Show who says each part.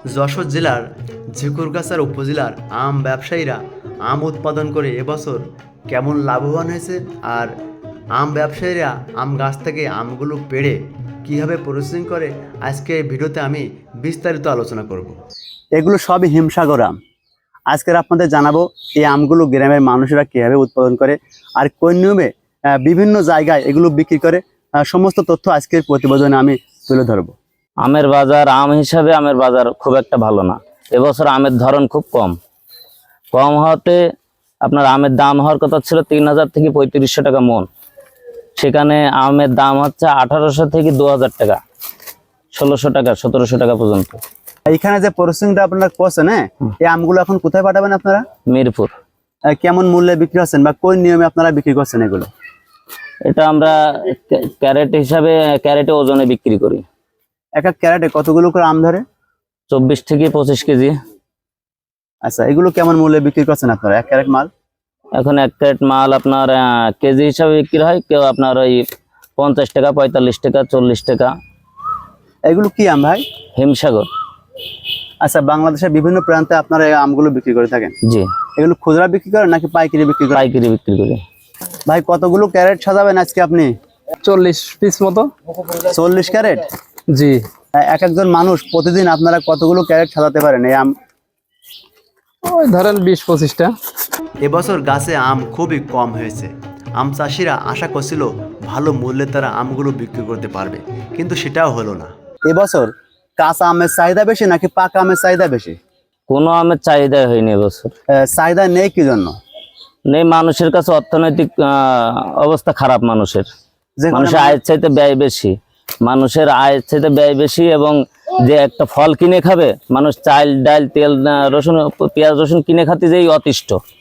Speaker 1: যশোর জেলার ঝিকুরগাছার উপজেলার আম ব্যবসায়ীরা আম উৎপাদন করে এবছর কেমন লাভবান হয়েছে আর আম ব্যবসায়ীরা আম গাছ থেকে আমগুলো পেড়ে কীভাবে প্রসেসিং করে আজকে এই ভিডিওতে আমি বিস্তারিত আলোচনা করব।
Speaker 2: এগুলো সবই হিমসাগর আম। আজকের আপনাদের জানাবো এই আমগুলো গ্রামের মানুষেরা কীভাবে উৎপাদন করে আর কোন নিয়মে বিভিন্ন জায়গায় এগুলো বিক্রি করে, সমস্ত তথ্য আজকের প্রতিবেদনে আমি তুলে ধরবো।
Speaker 3: আমের বাজার আম হিসাবে আমের বাজার খুব একটা ভালো না। এবছর আমের ধরন খুব কম হওয়াতে আপনার আমের দাম হওয়ার কথা ছিল 3000 থেকে 3500 টাকা মন, সেখানে আমের দাম হচ্ছে 1800 থেকে 2000 টাকা, 1600 টাকা 1700 টাকা পর্যন্ত।
Speaker 2: এইখানে যে প্রসেসিংটা আপনারা করছেন, এই আমগুলো এখন কোথায় পাঠাবেন আপনারা?
Speaker 3: মিরপুর।
Speaker 2: কেমন মূল্যে বিক্রি করছেন বা কোন নিয়মে আপনারা বিক্রি করছেন এগুলো?
Speaker 3: এটা আমরা ক্যারেট হিসাবে ক্যারেটে ওজনে বিক্রি করি।
Speaker 2: এক এক ক্যারেটে কতগুলো করে আম ধরে?
Speaker 3: 24 থেকে 25 কেজি।
Speaker 2: আচ্ছা, এগুলো কেমন মূল্যে বিক্রি করছেন আপনারা এক ক্যারেট মাল?
Speaker 3: এখন এক ক্যারেট মাল আপনার কেজি হিসাবে বিক্রি হয়, কেউ আপনার ওই 50 টাকা, 45 টাকা, 40 টাকা।
Speaker 2: এগুলো কি আম ভাই?
Speaker 3: হিমসাগর।
Speaker 2: আচ্ছা, বাংলাদেশের বিভিন্ন প্রান্তে আপনারা এই আমগুলো বিক্রি করে থাকেন?
Speaker 3: জি।
Speaker 2: এগুলো খুচরা বিক্রি করেন নাকি পাইকারি বিক্রি করেন?
Speaker 3: পাইকারি বিক্রি করি।
Speaker 2: ভাই কতগুলো ক্যারেট সাজাবেন আজকে আপনি?
Speaker 4: 40 পিস মতো।
Speaker 2: 40 ক্যারেট?
Speaker 4: জি।
Speaker 2: এক একজন মানুষ প্রতিদিন আপনারা কতগুলো ক্যারেট সাজাতে পারেন এই আম?
Speaker 4: ওই ধরেন 20-25টা।
Speaker 1: এবছর গাছে আম খুবই কম হয়েছে। আম চাষিরা আশা করছিল ভালো মূল্যে তারা আমগুলো বিক্রি করতে পারবে, কিন্তু সেটাও হলো না।
Speaker 2: এবছর কাঁচা আমের চাহিদা বেশি নাকি পাকা আমের চাহিদা বেশি?
Speaker 3: কোনো আমের চাহিদা হয়নি এবছর।
Speaker 2: চাহিদা নেই কি জন্য?
Speaker 3: নেই, মানুষের কাছে অর্থনৈতিক অবস্থা খারাপ। মানুষের
Speaker 2: যেখানে
Speaker 3: আয়ের চাইতে ব্যয় বেশি। মানুষের আয়ের চাইতে ব্যয় বেশি এবং যে একটা ফল কিনে খাবে, মানুষ চাল ডাল তেল রসুন পেঁয়াজ রসুন কিনে খাতে যেই অতিষ্ঠ।